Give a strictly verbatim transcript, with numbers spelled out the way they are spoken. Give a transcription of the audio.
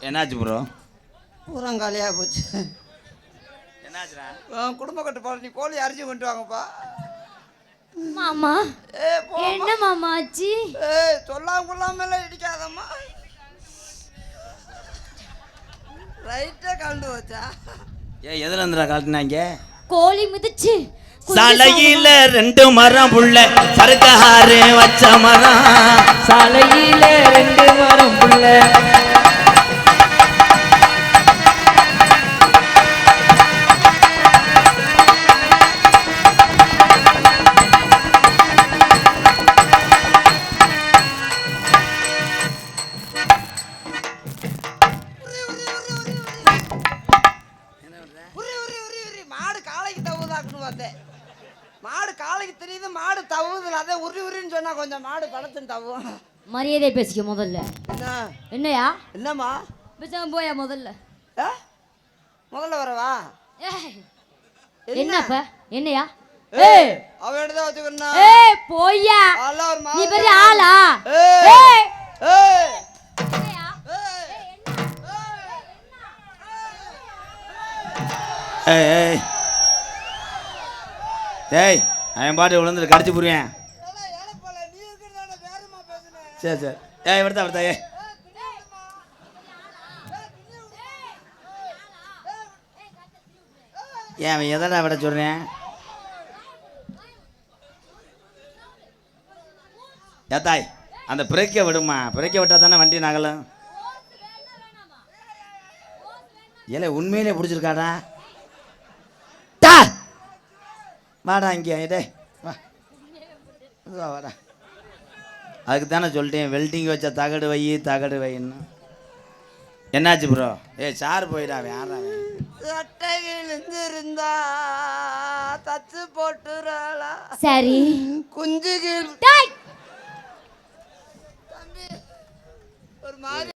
என்னாச்சு ப்ரோ? பூரம் காலியாக போச்சு. என்னாச்சுடா? குடும்ப கட்டுப்பாடு, நீ கோழி அரிசி கொண்டு வாங்கப்பா. மாமா ஏ என்ன மாமா ஆச்சு? ஏய் சொல்லாம கொள்ளாமல இடிக்காதம்மா. ரைட்டே கலந்து வச்சா. ஏ எதுல இருந்துடா கழட்டினாங்க? கோழி மிதிச்சு சாலையில ரெண்டு மரம் புள்ள சருக்காரு வச்ச மரம். சாலையில ரெண்டு மரம் புள்ள மாடு காலைக்கு தவுதாக்குன்னு பார்த்தேன். மாடு காலைக்கு தெரியுது, மாடு தவுதுல. அதை உரி உரின்னு சொன்னா கொஞ்சம் மாடு படத்துன்னு தவும். மரியாதை பேசிக்க முதல்ல. என்ன என்னையா? என்னம்மா பேசாம போயா முதல்ல. முதல்ல வரவா? என்னப்ப என்னையா? ஏய் அவ எடுத்து வச்சுக்கறனா? ஏய் போய்யா. ஆளா ஒரு நீ மாடு. பெரிய ஆளா? ஏய் ஏய் ஏய் என்னையா? ஏய் ஏய் டேய் அவன் பாட்டு விழுந்துட்டு கடிச்சு புரிவேன். சரி சரி ஏய் விடுதா விடுதா. ஏய் ஏன் அவன் எதடா விட சொல்கிறேன்? ஏத்தாய் அந்த பிரேக்கை விடுமா, பிரேக்கை விட்டால் தானே வண்டி நகலும். ஏலே உண்மையிலே பிடிச்சிருக்காடா. டா வாடா இங்கே. டே வா வா வாடா. அதுக்கு தானே சொல்லிட்டேன் வெல்டிங் வச்ச தகடு வை தகடு வைன்னு. என்னாச்சு ப்ரோ? ஏ சார் போயிடாவே யாராவே சட்டைகள் இருந்தா தச்சு போட்டுறாளா? சரி குஞ்சுகள் டேய் தம்பி ஒரு மாதிரி